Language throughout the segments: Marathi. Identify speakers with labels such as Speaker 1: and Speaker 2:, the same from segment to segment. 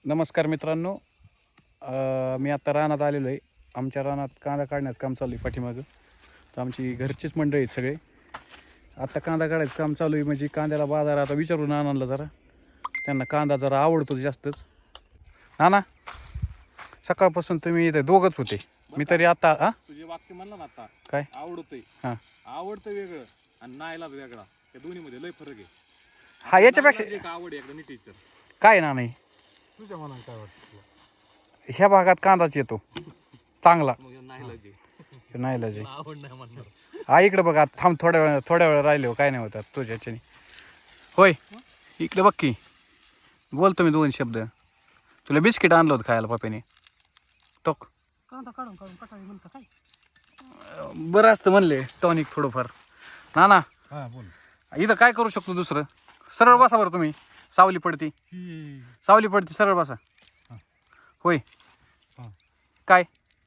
Speaker 1: नमस्कार मित्रांनो, मी आता रानात आलेलो आहे. आमच्या रानात कांदा काढण्याचं काम चालू आहे पाठीमागं. तर आमची घरचीच मंडळी आहेत सगळे. आता कांदा काढायचं काम चालू आहे. म्हणजे कांद्याला बाजार आता विचारून नानांना जरा, त्यांना कांदा जरा आवडतो जास्तच. नाना, सकाळपासून तुम्ही इथे दोघंच होते. मी तरी आता
Speaker 2: तुझे वाक्य म्हणलं ना आता
Speaker 1: काय
Speaker 2: आवडतंय.
Speaker 1: हां
Speaker 2: आवडतं वेगळं आणि नाईलाज वेगळा, त्या दोन्ही मध्ये लय फरक आहे.
Speaker 1: हा, याच्यापेक्षा
Speaker 2: नाईलाज एक आवड आहे, एकदा नीट विचार.
Speaker 1: काय ना नाही.
Speaker 2: तुझ्या मनात काय वाटतं?
Speaker 1: ह्या भागात कांदाच येतो चांगला.
Speaker 2: मग नाईलाज आहे,
Speaker 1: नाही लजे
Speaker 2: आवड नाही म्हणणार.
Speaker 1: हा, इकडे बघा. थांब, थोड्या वेळ राहिले हो, काय नाही होतात तुझ्या ह्याच्याने. होय, इकडे बघ की. बोलतो मी दोन शब्द. तुला बिस्किट आणलं होतं खायला पप्याने. टोक
Speaker 3: कांदा काढून काढून कटाळी म्हणता काय?
Speaker 1: बरं असतं म्हणले टॉनिक थोडंफार. ना ना,
Speaker 2: हा बोल.
Speaker 1: इथं काय करू शकतो दुसरं? सरळ बसा बरं तुम्ही. सावली पडती, सावली पडती, सरळ बसा. होय, काय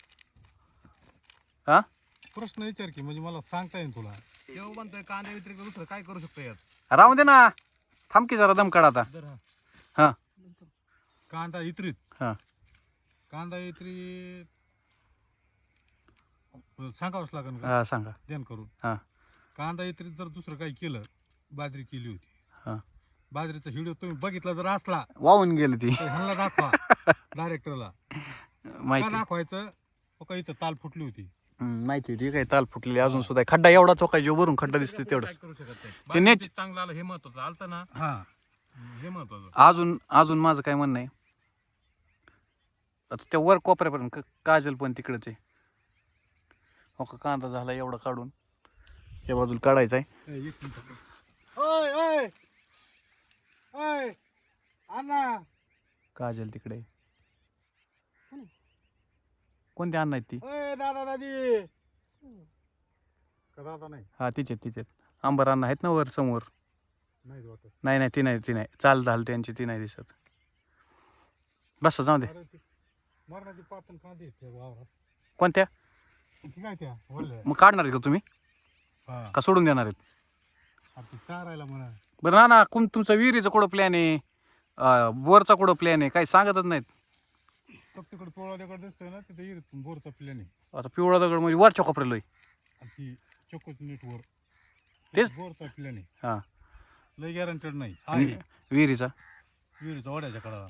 Speaker 1: हा
Speaker 4: प्रश्न विचार की, म्हणजे मला सांगता येईल तुला.
Speaker 2: देव म्हणतोय कांद्या व्यतिरिक्त दुसरं काय करू शकतो यात?
Speaker 1: राहून दे ना. थांब की जरा, दम काढ आता. हा
Speaker 4: कांदा इत्रीत
Speaker 1: हा
Speaker 4: कांदा इत्रीत सांगावंच लागेल का
Speaker 1: हा सांगा.
Speaker 4: ध्यान करून.
Speaker 1: हा
Speaker 4: कांदा इत्रीत जर दुसरं काही केलं, बाजरी केली होती.
Speaker 1: हा
Speaker 4: बाजरीचा व्हिडिओ तुम्ही बघितला जर असला
Speaker 1: वाहून गेली ती.
Speaker 4: तर ह्यांना दाखवा डायरेक्टरला. का
Speaker 1: माहिती
Speaker 4: दाखवायचं? का इथं ताल फुटली होती.
Speaker 1: माहिती ती काय ताल फुटलेली अजून सुद्धा. खड्डा एवढा चोका जो वरून खड्डा दिसतो तेवढा.
Speaker 2: काय करू शकत नाही.
Speaker 1: ते नेच
Speaker 2: चांगलं आलं हे महत्वाचं. आलतं ना
Speaker 4: हा,
Speaker 2: हे महत्वाचं.
Speaker 1: अजून माझं काय म्हणणं आहे, आता त्या वर कोपऱ्यापर्यंत काजल पण तिकडच आहे. हो का, कांदा झाला एवढा काढून या बाजूला काढायचा आहे.
Speaker 4: एक मिनिट. ओय ओय ओय अण्णा,
Speaker 1: काजल तिकडे आहे. कोणते अण्णा आहेत ती?
Speaker 4: ओय दादा दादी. का दादा नाही?
Speaker 1: हा, तिचे अंबर अण्णा आहेत ना वर समोर.
Speaker 4: नाही वाटत.
Speaker 1: नाही ती नाही चाल झाल त्यांची, ती नाही दिसत. बस जाऊ दे.
Speaker 4: अरे ती मरणाची पातन कांदे आहेत त्या वावरात.
Speaker 1: कोणत्या?
Speaker 4: ती काय त्या वळल्या.
Speaker 1: मग काढणार आहे का तुम्ही,
Speaker 4: हा,
Speaker 1: का सोडून देणार आहेत?
Speaker 4: आता चारायला म्हणा.
Speaker 1: बरं ना तुमचा विहिरीचा कुठं प्लॅन आहे, बोरचा कुठं प्लॅन आहे, काही सांगतच नाहीत.
Speaker 4: फक्त तिकडे पिवळा दगड दिसतोय ना, तिथे येईल बोरचा प्लॅन आहे.
Speaker 1: आता पिवळा दगड म्हणजे वरच्या कोपऱ्याला आहे.
Speaker 4: आणि ती चोकोच नीट वर
Speaker 1: तेच.
Speaker 4: बोरचा प्लॅन आहे.
Speaker 1: हा,
Speaker 4: लय गॅरंटेड नाही
Speaker 1: आणि
Speaker 4: आहे.
Speaker 1: विहिरीचा.
Speaker 4: विहिरीचा वड्याच्या कडाला.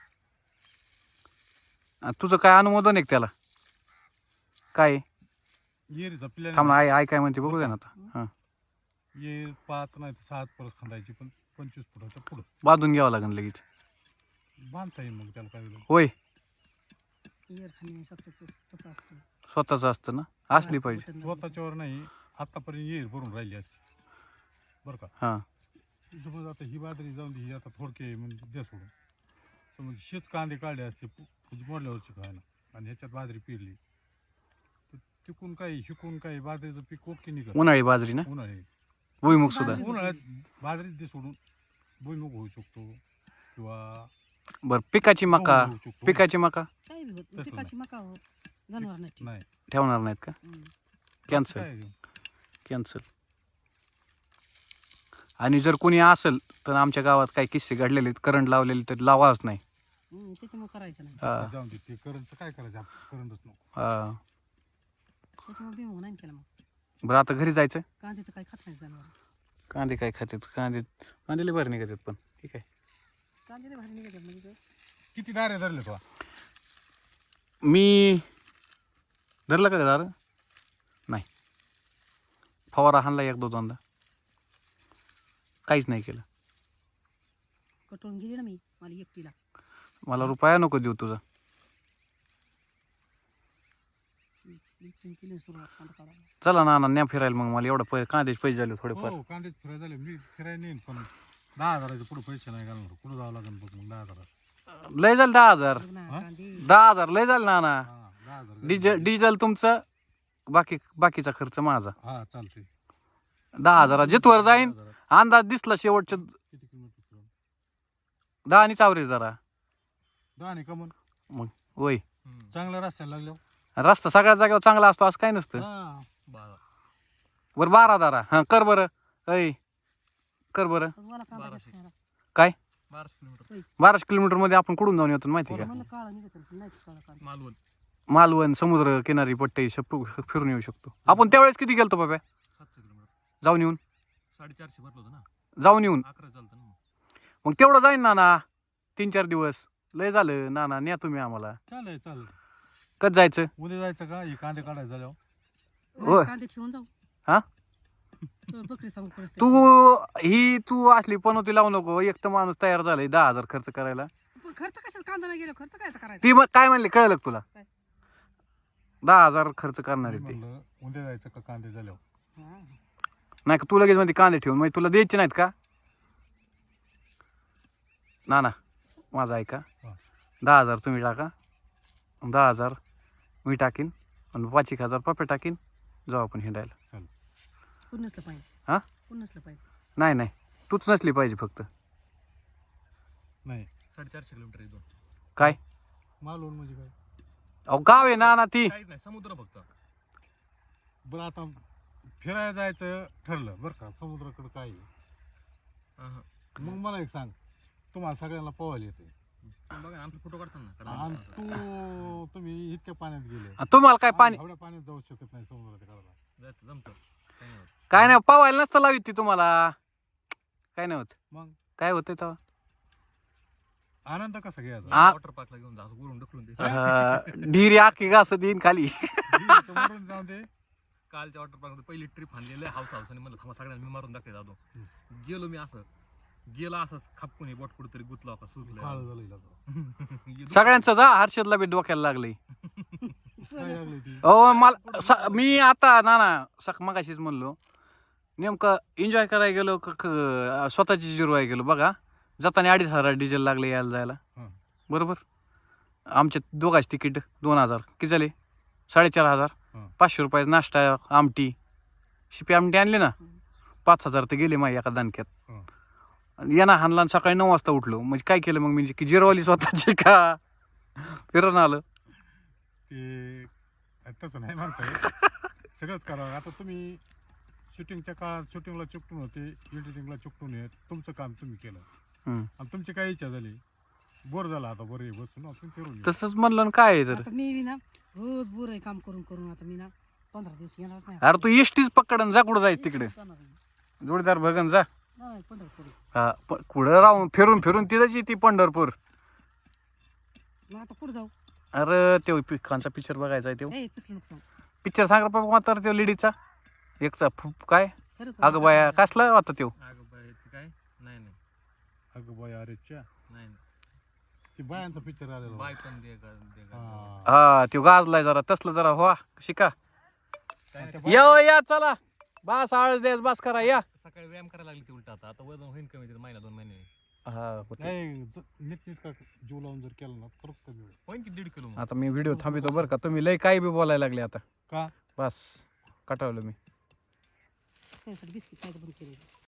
Speaker 1: तुझं काय अनुमोदन आहे का त्याला? काय
Speaker 4: विहिरीचा प्लॅन
Speaker 1: थांब ना, आई काय म्हणते बघू दे ना आता. हा,
Speaker 4: ये 5 नाही 6 परत खांदायची, पण 25 फुटाच्या पुढं
Speaker 1: बांधून घ्यावं लागेल लगेच.
Speaker 4: बांधता येईल मग त्याला काय वेळ.
Speaker 1: होय,
Speaker 3: एअर खाली स्वतःच असतं.
Speaker 1: स्वतःच असतं ना, असली पाहिजे.
Speaker 4: स्वतःच्यावर नाही, आतापर्यंत येईल भरून राहिली असती बरं का.
Speaker 1: हा,
Speaker 4: समज आता ही बाजरी जाऊन दे, ही आता थोडके म्हणजे द्या सोडून. समज शेच कांदे काढले असते म्हणजे मोडल्यावरची खायला, आणि ह्याच्यात बाजरी पेरली तर तिकून काही शिकून काही बाजरीचं पीक ओके निघत.
Speaker 1: उन्हाळी बाजरी ना,
Speaker 4: उन्हाळी
Speaker 1: भुईमुग सुद्धा.
Speaker 4: उन्हाळ्यात बाजरीत दे सोडून भुईमुग होऊ शकतो, किंवा
Speaker 1: बरं, पिकाची मका.
Speaker 4: गहू होऊ शकतो.
Speaker 1: पिकाची मका
Speaker 3: काही बी होत
Speaker 4: तसलं
Speaker 3: पिकाची मका होत जनावर नाही.
Speaker 4: नाही
Speaker 1: ठेवणार नाहीत का? कॅन्सल
Speaker 4: काय
Speaker 1: कॅन्सल. आणि जर कोणी असेल तर आमच्या गावात काही किस्से घडलेले आहेत, करंट लावलेले, तर लावाच नाही.
Speaker 3: त्याच्यामुळे करायचं नाही.
Speaker 1: हा
Speaker 4: जाऊन दे, ते करंट काय करायचं, करंटच नको.
Speaker 1: हा.
Speaker 3: त्याच्यामुळे भीम नाही केला. मग
Speaker 1: बरं, आता घरी जायचं.
Speaker 3: कांदे तर काही खात नाही जनावर.
Speaker 1: कांदे काय खातात? कांदेले बरं निघतात, पण ठीक आहे.
Speaker 3: कांदे लय भारी निघतात म्हणजे
Speaker 4: किती दारे धरले तो?
Speaker 1: मी धरलं का दार? नाही, फवारा हाणला एक दोनदा, काहीच नाही केलं.
Speaker 3: कटवून गेली ना मी मला एकटीला.
Speaker 1: मला रुपया नको देऊ तुझा.
Speaker 3: केली सुरुवात कांदा काढायला.
Speaker 1: चला ना न्या फिरायला. मग मला एवढं कांद्याचे पैसे झाले थोडेफार.
Speaker 4: हो, कांदेच फिरायला झाले. मी फिरायला नेईन, पण 10,000च्या पुढे पैसे नाही घालणार. कुठं जावं लागेल बघ मग. 10,000.
Speaker 1: लय झालं 10,000.
Speaker 3: बघ ना, कांदे
Speaker 1: 10,000 लय झालं ना.
Speaker 4: हा, 10,000.
Speaker 1: डिझेल तुमचं, बाकीचा खर्च माझा.
Speaker 4: हा, चालते.
Speaker 1: 10,000 जिथवर जाईन.
Speaker 4: 10,000.
Speaker 1: अंदाज दिसला शेवटच्या
Speaker 4: किती किलोमीटर फिरून?
Speaker 1: 10 आणि चावरे जरा
Speaker 4: 10 नाही का मग?
Speaker 1: मग. होय,
Speaker 4: चांगल्या रस्त्याला लागलो.
Speaker 1: रस्ता सगळ्या जागेवर चांगला असतो असं काय नसतं.
Speaker 4: हा,
Speaker 1: बरं 12 जरा. हा, कर बरं. ऐ कर बरं.
Speaker 3: मला कांदा घेत खायला.
Speaker 1: काय?
Speaker 2: 12 किलोमीटर
Speaker 1: 12 किलोमीटर मध्ये आपण कुठून जाऊन येतो माहिती का?
Speaker 3: मला काळा निघत नाही काळा काळा
Speaker 2: मालवण
Speaker 1: मालवण समुद्र किनारी पट्टे फिरून येऊ शकतो आपण. त्यावेळेस किती गेलतो बाबा
Speaker 2: 700 किलोमीटर
Speaker 1: जाऊन येऊन?
Speaker 2: 450 भरलो होतं ना.
Speaker 1: जाऊन येऊन
Speaker 2: 11 चालतं ना.
Speaker 1: मग तेवढं जाईन ना 3-4 दिवस. लय झालं ना न्या तुम्ही आम्हाला.
Speaker 4: चालेल
Speaker 1: कधी जायचं?
Speaker 4: उद्या जायचं का हे कांदे काढायला झाल्यावर
Speaker 1: होय.
Speaker 3: नाही, कांदे ठेवून जाऊ
Speaker 1: हा?
Speaker 3: तो बकरी सांगू परिस्थिती.
Speaker 1: तू असली पनवती लावू नको. एक तर माणूस तयार झालाय 10,000 खर्च करायला.
Speaker 3: पण खर्च कशात कांदा नाही गेलो खर्च काय करायचं?
Speaker 1: ती मग काय म्हणले कळलं का तुला?
Speaker 3: काय?
Speaker 1: 10,000 खर्च करणार
Speaker 4: मी
Speaker 1: आहे ते.
Speaker 4: म्हणलं उद्या जायचं का कांदे झाल्यावर
Speaker 3: हा.
Speaker 1: नाही का तू लगेच मध्ये कांदे ठेवून म्हणजे तुला द्यायचे नाहीत का? ना माझा ऐका.
Speaker 4: हा.
Speaker 1: 10,000 तुम्ही टाका, 10,000 मी टाकीन आणि 5,000 पप्पे टाकीन. जाऊ आपण हिंडायला.
Speaker 3: कोण नसलं पाहिजे
Speaker 1: हा?
Speaker 3: कोण नसलं पाहिजे.
Speaker 1: नाही तूच नसली पाहिजे फक्त.
Speaker 4: नाही
Speaker 2: 450 किलोमीटर इथून.
Speaker 1: काय
Speaker 4: मालवण म्हणजे काय
Speaker 1: अहो गाव आहे ना ती.
Speaker 2: काहीच नाही, समुद्र फक्त.
Speaker 4: बरं आता फिरायला जायचं ठरलं बरं का समुद्राकडे काय आहे?
Speaker 2: अहं.
Speaker 4: मग मला एक सांग तुम्हाला सगळ्यांना पोहायला येते
Speaker 2: पण बघा ना, आपले फोटो काढताना कारण
Speaker 4: आणि
Speaker 2: आमचं
Speaker 4: तुम्ही इतक्या पाण्यात गेले
Speaker 1: तुम्हाला काय पाणी
Speaker 4: एवढ्या पाण्यात जाऊ शकत नाही समुद्राच्या कडेला.
Speaker 2: जायचं जमतं. काही नाही होत.
Speaker 1: काय नाही पवायला नसतं लावित ती तुम्हाला. काय नाही होत.
Speaker 4: मग
Speaker 1: काय होतंय तेव्हा?
Speaker 4: आनंद कसा घ्यायचा
Speaker 1: आ-
Speaker 2: वॉटर पार्कला घेऊन जा, वरून ढकलून दे.
Speaker 1: ढिरी आखी घास देईन खाली.
Speaker 4: इथं मरून जाऊ दे
Speaker 2: कालच्या वॉटर पार्क पहिली ट्रिप आणलेली हाऊस आणि म्हणलं थांबा सगळ्यांना मी मारून दाखवायचं जातो. गेलो मी असंच खापकून बोट कुठेतरी गुतला का
Speaker 4: काळ
Speaker 2: सुचलं.
Speaker 4: झालं हिला तर.
Speaker 1: सगळ्यांचं जा हर्षदला बी डोक्याला लागलंय.
Speaker 4: काय लागली ती
Speaker 1: मी आता मगाशीच म्हणलो नेमकं एन्जॉय करायला गेलो स्वतःची जिरवाय गेलो बघा. जाताना 2,500 डिझेल लागले यायला जायला.
Speaker 4: हं.
Speaker 1: बरोबर. आमच्या दोघांची तिकीट 2,000 किती झाले? 4,500.
Speaker 4: हं.
Speaker 1: 500 रुपयाचा नाश्ता आमटी शिपी आमटी आणली ना 5,000 तर गेले माझ्या एका दानक्यात.
Speaker 4: हं.
Speaker 1: यांना हाणला आणि सकाळी 9 वाजता उठलो. म्हणजे काय केलं मग मी की जिरवली स्वतःची का फिरून आलं.
Speaker 4: ते तसं नाही म्हणताय सगळंच करावं. आता तुम्ही शूटिंगच्या काळात शूटिंगला चिकटून होते एडिटिंगला चिकटून येत तुमचं काम तुम्ही केलं
Speaker 1: हम्म.
Speaker 4: आणि तुमची काय इच्छा झाली बोर झाला आता बरं आहे, बसून आपण फिरून येऊ.
Speaker 1: तसंच म्हणलं ना काय आहे तर.
Speaker 3: आता मी बी ना रोज बुर आहे काम करून करून आता मी ना 15 दिवस येणार नाही.
Speaker 1: अरे तू एसटीच पकडन जा कुठं जायचं तिकडे
Speaker 3: जाणार नाही.
Speaker 1: जोडीदार भगन जा.
Speaker 3: नाही, पंढरपूर.
Speaker 1: हा कुठं राहून फिरून तिथंच येते पंढरपूर.
Speaker 3: मग आता कुठं जाऊ?
Speaker 1: अरे तो पिकांचा पिक्चर बघायचा आहे तो.
Speaker 3: ए तसलं नुकसान
Speaker 1: पिक्चर सांग बाबा तर तो लेडीचा एकचा काय
Speaker 3: खरंच
Speaker 1: अगं बाया कसला होता तो?
Speaker 2: अगं बाई, ते काय नाही
Speaker 4: अगं बाय अरे च्या
Speaker 2: नाही
Speaker 4: ते बायांचा पिक्चर आलेला
Speaker 2: बाय
Speaker 4: होता.
Speaker 2: पण दे का.
Speaker 4: हा.
Speaker 1: हा तो गाजलाय जरा तसलं जरा हो शिका.
Speaker 2: काय
Speaker 4: आता
Speaker 2: नाही,
Speaker 1: या चला बस आळस द्यास बस करा या.
Speaker 2: सकाळी व्यायाम करायला लागली ती उलट आता वजन होईल कमी तिथं महिना 2 महिने
Speaker 1: हा होते.
Speaker 4: नाही नीट का जीव लावून जर केलं ना तर कमी होईल.
Speaker 2: होईन की 1.5 किलो.
Speaker 1: आता मी व्हिडिओ थांबितो बरं का. तुम्ही लय काही बी बोलायला लागले आता.
Speaker 4: का
Speaker 1: बस कटावलं मी.
Speaker 3: त्यासाठी बिस्किट काय बंद केले.